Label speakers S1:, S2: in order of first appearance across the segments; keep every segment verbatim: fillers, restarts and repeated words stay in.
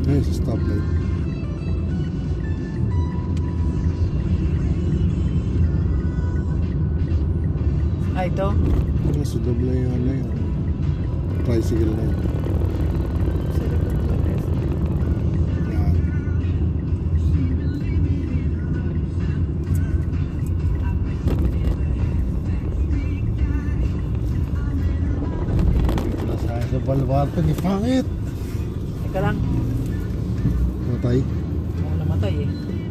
S1: Eh, sa stoplight.
S2: Ah, ito.
S1: Eh, sudom lang yung ano yun. Tricycle na yun.
S3: Sa likod ng S M.
S1: Yan. Nasa sa balwarte ni Pangit.
S2: Teka lang.
S1: Matay.
S2: Ako namatay eh.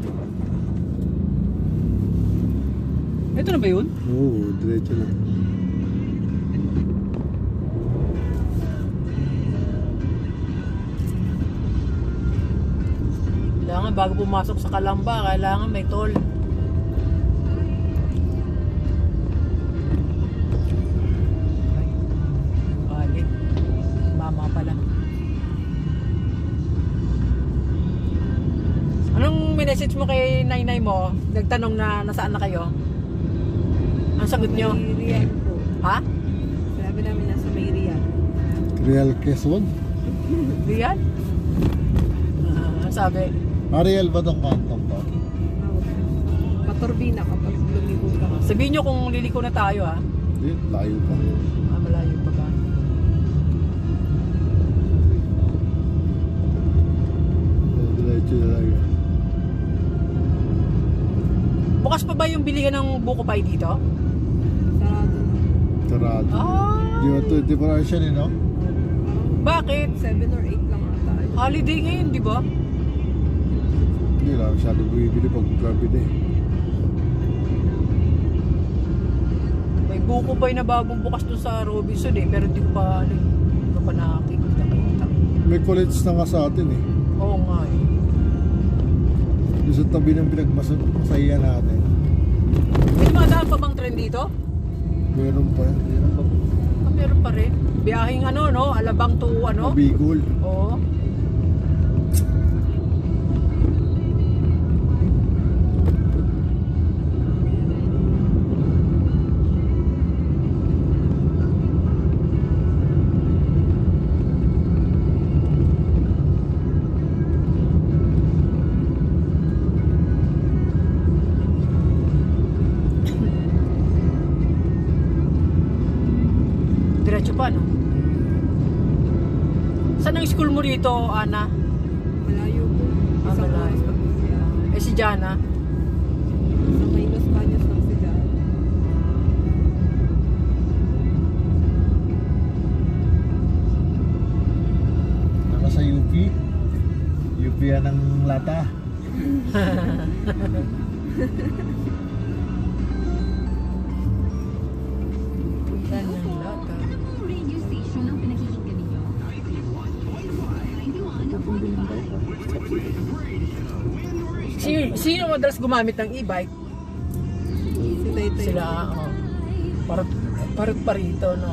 S2: Ito na ba yun?
S1: Oo, diretso na.
S2: Kailangan bago pumasok sa Kalamba, kailangan may toll. Ay, bali. Mama pala. Anong minessage mo kay nainay mo? Nagtanong na nasaan na kayo? Ang sagot nyo?
S3: May Riyadh po.
S2: Ha?
S3: Sabi namin nasa may Riyadh.
S1: Real Quezon?
S2: Riyan? Ah, sabi.
S1: Ariel ba itong kantong to?
S3: Paturbina kapag lumibot ka.
S2: Sabihin nyo kung liliko na tayo ha.
S1: Hindi, layo pa.
S2: Ah, malayo pa ba?
S1: Eh, diretso na lang yan.
S2: Bukas pa ba yung bilihan ng buko pie dito?
S3: Sarado na.
S1: Sarado.
S2: Ah,
S1: Di ba ito, di ba siya eh, no?
S2: bakit?
S3: seven or eight lang ata.
S2: Holiday ngayon, di ba?
S1: Hindi lang, masyado bumibili pag gabi na eh.
S2: May buko pie na bagong bukas doon sa Robinson eh, pero di ko pa, ano, di ko pa nakikita.
S1: May college na nga sa atin eh.
S2: Oo nga eh.
S1: Yung sa tabi ng pinagmasaya natin.
S2: May dumadaan pa bang trend dito?
S1: Meron pa yan. Meron pa.
S2: Ah, meron pa rin. Biyahing ano, no? Alabang to ano?
S1: Bigol.
S2: Oo. Diretso pa, no? Saan ang school mo rito, Ana?
S3: Malayo po.
S2: Ah,
S3: Isang
S2: malayo.
S3: oras pa po siya.
S2: Eh, si Jana?
S3: Sa may Los Baños lang si Jan.
S1: Naka sa U P. U P yan ng lata.
S2: Yan yung lata.
S4: Ano pong radio station ang pinakikinggan ninyo?
S2: Sino, sino madalas gumamit ng e-bike?
S3: Si Taytay.
S2: Sila, oh. Parot, parot pa rito, no?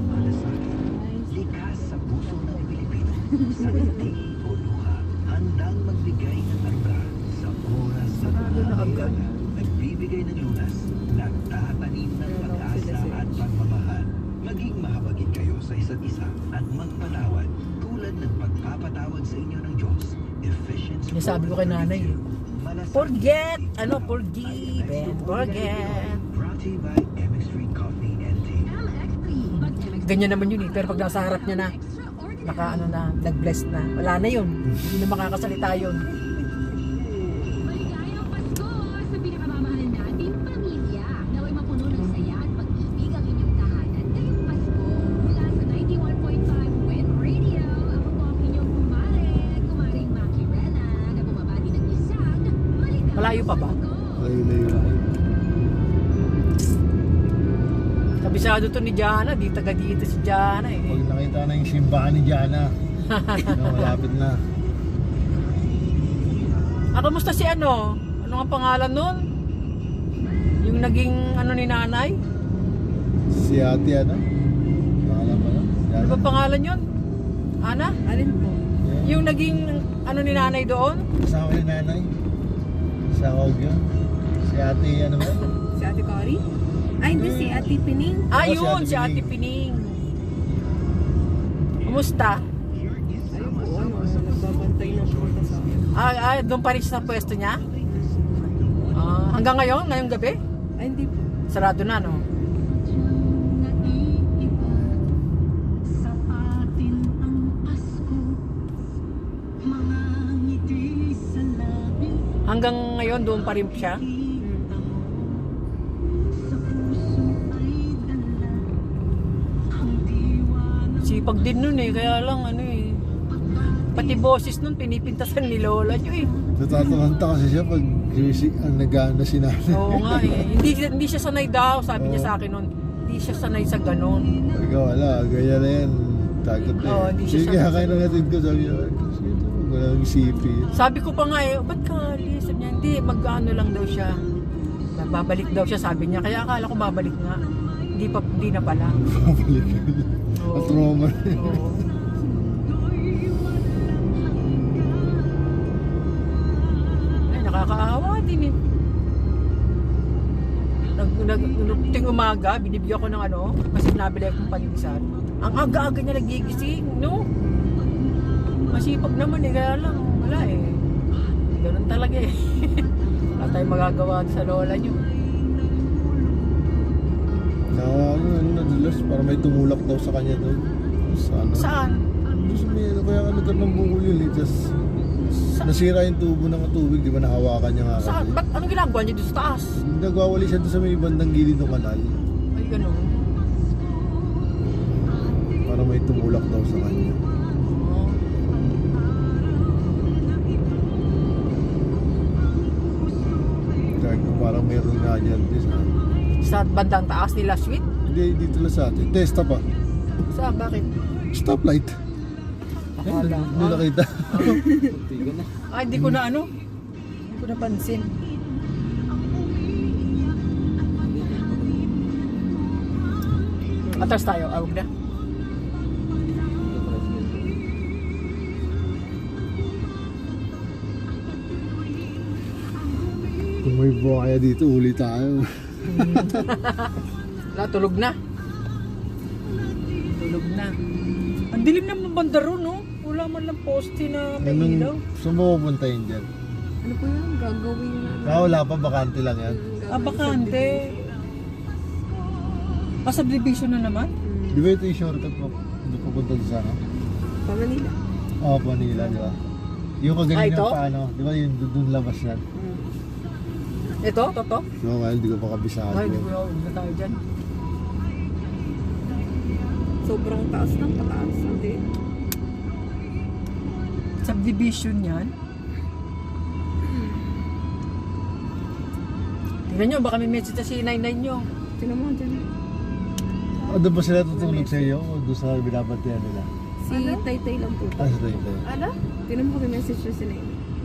S5: Likas sa puso ng Pilipino. Sa dating o luha, handang magbigay ng arda sa oras sa
S2: Sarado na agad.
S5: nagbibigay ng lunas, nagtatanim ng pag-asa at pagmamahal. Maging mahabagin kayo sa isa't isa at magpatawad tulad ng pagpapatawad sa inyo ng Diyos. Ephesians
S2: Sinasabi ko kay nanay, eh.
S5: Malasakit.
S2: Forget! Ano? Forgive and forget.
S5: Brought to you by M X Street Coffee and Tea.
S4: M X P.
S2: Ganyan naman yun eh. Pero pag nasa harap niya na, naka ano na, nag-bless na. Wala na yun. Hindi na makakasalita yun.
S4: Maligayang Pasko sa pinakamamahalan nating pamilya. Naway mapuno ng saya at pag-ibig ang inyong tahanan ngayong Pasko. Mula sa ninety-one point five Wind Radio, ako po ang inyong kumare, kumaring Maki Rena, na bumabati ng isang maligayang
S2: Malayo pa ba?
S4: Pasko.
S1: Layo, layo, layo.
S2: Kabisado to ni Jana. Di taga dito si Jana eh.
S1: Pag nakita na yung simbahan ni Jana, no, malapit na.
S2: Ah, kamusta si ano? Ano ang pangalan nun? Yung naging ano ni nanay?
S1: Si ate ano? Pangalan ba yun?
S2: Ano
S1: Jana?
S2: ba pangalan yun? Ana?
S3: Alin po?
S1: Yeah.
S2: Yung naging ano ni nanay doon?
S1: Kasama ni nanay. Sa Hog yun. Si ate ano ba?
S3: Si Ate Cory? Ay, hindi si Ate Pining.
S2: Ah,
S1: Oo, si
S2: yun,
S1: Ate
S2: si Ate Pining. Kumusta?
S3: Ayun po, ano, nagbabantay nagpunta sa akin.
S2: Ah, ah, doon pa rin siya sa pwesto niya? Ah, hanggang ngayon, ngayong gabi?
S3: Ay, hindi po.
S2: Sarado na, no? Hanggang ngayon, doon pa rin siya? Sipag din nun eh, kaya lang ano eh. Pati boses nun, pinipintasan ni Lola nyo eh.
S1: Natatalanta kasi siya pag si, ang nagana si nanay.
S2: Oo nga eh. Hindi, hindi siya sanay daw, sabi niya sa akin nun. Hindi siya sanay sa ganun.
S1: Ikaw wala, gaya na yan. Takot na
S2: Oo,
S1: yan.
S2: hindi siya
S1: Sige, kaya
S2: sanay.
S1: kayo na natin ko. Sabi niya, kasi ito, walang isipin.
S2: Sabi ko pa nga eh, ba't ka alis? Sabi niya, hindi, mag-ano lang daw siya. Babalik daw siya, sabi niya. Kaya akala ko babalik nga. Hindi pa, hindi na pala.
S1: Pabalik na.
S2: Oo.
S1: At trauma.
S2: Oo. Ay, nakakaawa din eh. Nag, nag, nung ting umaga, binibigyan ko ng ano, kasi nabili akong pandesal. Ang aga-aga niya nagigising, no? Masipag naman eh, kaya lang, wala eh. Ganun talaga eh. Wala tayong magagawa sa lola niyo.
S1: Na ano, ano, nadulas, para may tumulak daw sa kanya doon. Sa ano?
S2: Saan?
S1: Doon sa may ano, kaya ka nagkaroon ng bukol yun eh. Just,
S2: Sa-
S1: nasira yung tubo ng tubig, di ba nahawakan niya nga
S2: Saan?
S1: kasi.
S2: Ba't anong ginagawa niya doon sa taas?
S1: Nagwawali siya doon sa may bandang gilid ng kanal.
S2: Ay, ganun.
S1: Para may tumulak daw sa kanya.
S2: Oo.
S1: Kaya kung parang meron nga dyan. Di, sa,
S2: Sa bandang taas nila, sweet?
S1: hindi, dito lang sa atin. Testa pa.
S2: Saan? Bakit?
S1: Stoplight.
S2: Akala.
S1: Hindi nakita.
S2: Ay, hindi ko na ano. Hindi ko napansin. Atras tayo, awag na.
S1: Kung may buhaya dito, uli tayo.
S2: Wala, tulog na. Tulog na. Ang dilim naman ng banda ron, no? Wala man lang poste na may ilaw.
S1: Anong, saan mo pupunta yun dyan?
S3: Ano po yun? Gagawin na.
S1: Ah, wala pa, bakante lang yan.
S2: Ah, bakante. Ah, subdivision na naman?
S1: Di ba ito yung shortcut mo? Hindi pupunta doon sa ano?
S3: Pa Manila.
S1: Oo, oh, Manila, di ba? Yung
S2: Ah,
S1: kagaling
S2: ito?
S1: ng paano, di ba yung doon labas yan?
S2: Ito? Toto?
S1: No, well, hindi ko pa kabisado.
S2: Ay, hindi ko na huwag na tayo dyan.
S3: Sobrang taas ng pataas. Hindi.
S2: Subdivision yan. Tingnan nyo, baka may message na si Nainay nyo.
S3: Tingnan mo dyan.
S1: O, doon ba sila tutulog sa iyo? O doon sa binabantayan nila?
S3: Si Taytay lang po.
S1: Ah, sa tayo tayo.
S3: Ano? Tingnan mo kami message na si Nain.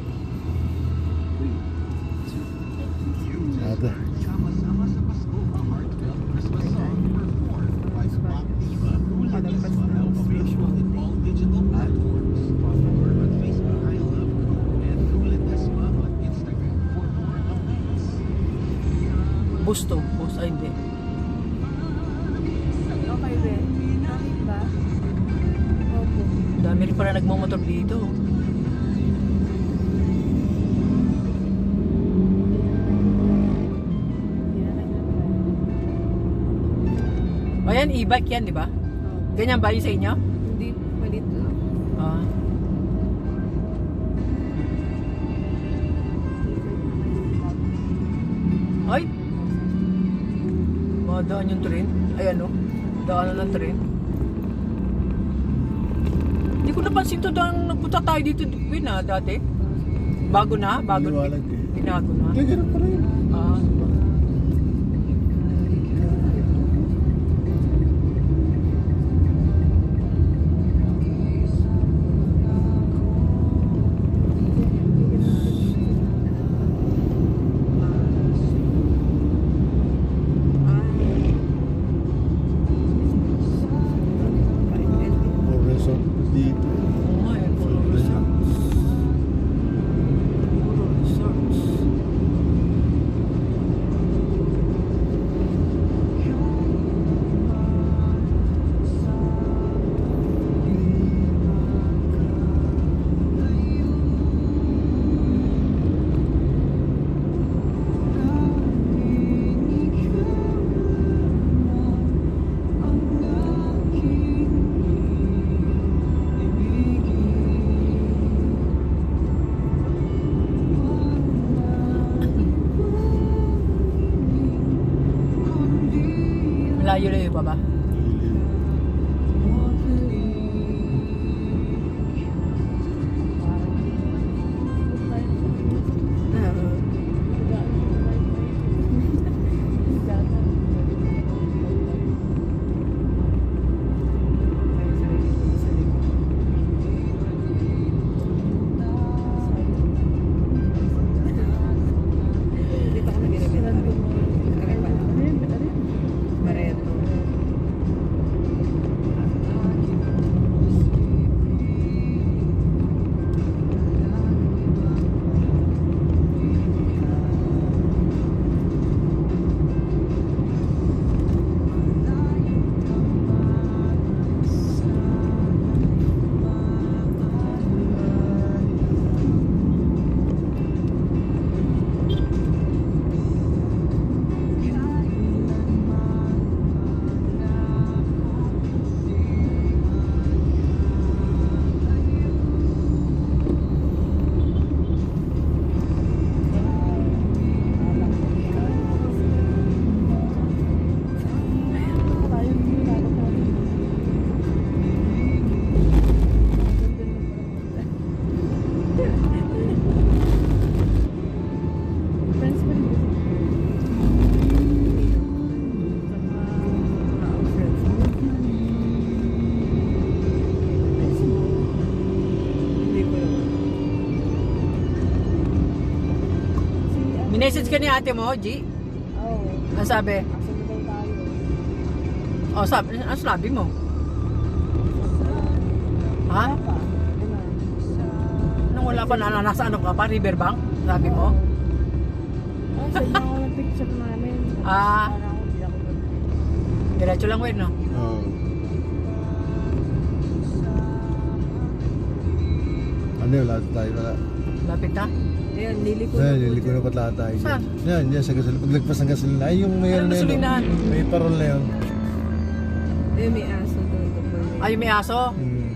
S1: Ate.
S5: Sama-sama sa Pasko, ang heartfelt Christmas song. Performed by Pop Diva. Palabas na available in all digital platforms. Follow her on Facebook, I Love Ko, and Kulit Esma on Instagram for more updates.
S2: Busto. Bus, ay hindi.
S3: Okay, Ben. Bakit ba? Opo.
S2: Dami rin pala nagmamotor dito. Ayan, e-bike yan, di ba? Ganyan ba yun sa inyo?
S3: Hindi, malit lang.
S2: Ah. Ay! Madaan yung train. Ay ano? Daanan ng train. Hindi ko napansin to daan nagpunta tayo dito Win ah, dati. Bago na? Bago na?
S1: Liwanag eh.
S2: Binago na?
S1: Kaya ganun pa rin.
S2: Ah.
S1: More resort dito.
S2: Oo nga eh, puro resorts. Puro resorts. Minessage ka ni ate mo, G?
S3: Oo.
S2: Ano sabi?
S3: Asa na daw tayo?
S2: O, sabi, ano sabi mo? Ha?
S3: Wala pa. Ano?
S2: Nung wala pa na, nasa ano ka pa, Riverbank? Sabi mo?
S3: Oh, sa iba ko ng picture namin.
S2: Ah.
S3: Parang ako, hindi ako doon.
S2: Diretso lang, Wen, no?
S1: Oo. Ano yun, lahat tayo wala.
S2: Lapit na?
S3: Ayan, liliko
S1: Ayan,
S3: po
S1: liliko
S3: dyan.
S1: na pat lahat tayo.
S2: Saan?
S1: Yan, yan, sa gasolina. Paglagpas ng gasolina. Ay, yung may
S2: Ano
S1: ano na yun.
S2: gasolinahan?
S1: oh. May parol na yun.
S3: Eh, may aso doon. doon.
S2: Ay, may aso?
S1: Hmm.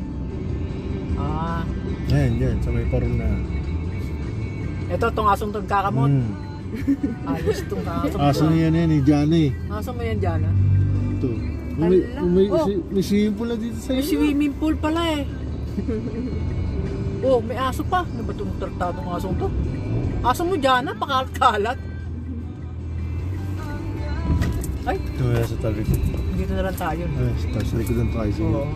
S2: Ah.
S1: Yan, yan, sa may parol na.
S2: Ito, itong asong itong kakamot.
S1: Hmm.
S2: Ayos itong asong.
S1: Aso na yan yan, eh, Johnny.
S2: Aso mo yan dyan, ah.
S1: Ito. May,
S3: Ala.
S1: may,
S2: Oh.
S1: si- may swimming pool na dito sa
S2: May
S1: iyo.
S2: swimming pool pala eh. Oh, may aso pa. Ano ba itong tratadong asong to? Aso mo dyan, ah, pakalat-kalat. Ay,
S1: Ito yan sa tabi ko.
S2: dito na lang tayo. no?
S1: Ay, sa sa likod ng tricycle.
S2: Oo.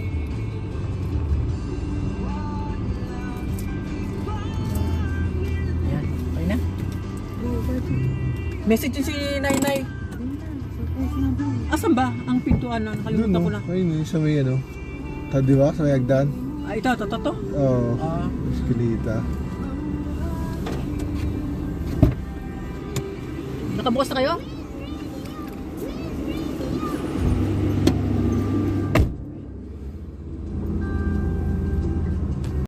S2: Ayan, okay na.
S3: Oo, bakit?
S2: Message yun si Nainay.
S3: Ayun na, surprise na doon.
S2: Asan ba ang pintuan na?
S1: Doon,
S2: Nakalimutan ko
S1: no?
S2: na.
S1: Ayun, yun, sa may ano. Ta, di ba? Sa may hagdan.
S2: Ah, ito, ito, ito, ito.
S1: Oo.
S2: Ah,
S1: Eskelita.
S2: nakabukas na kayo?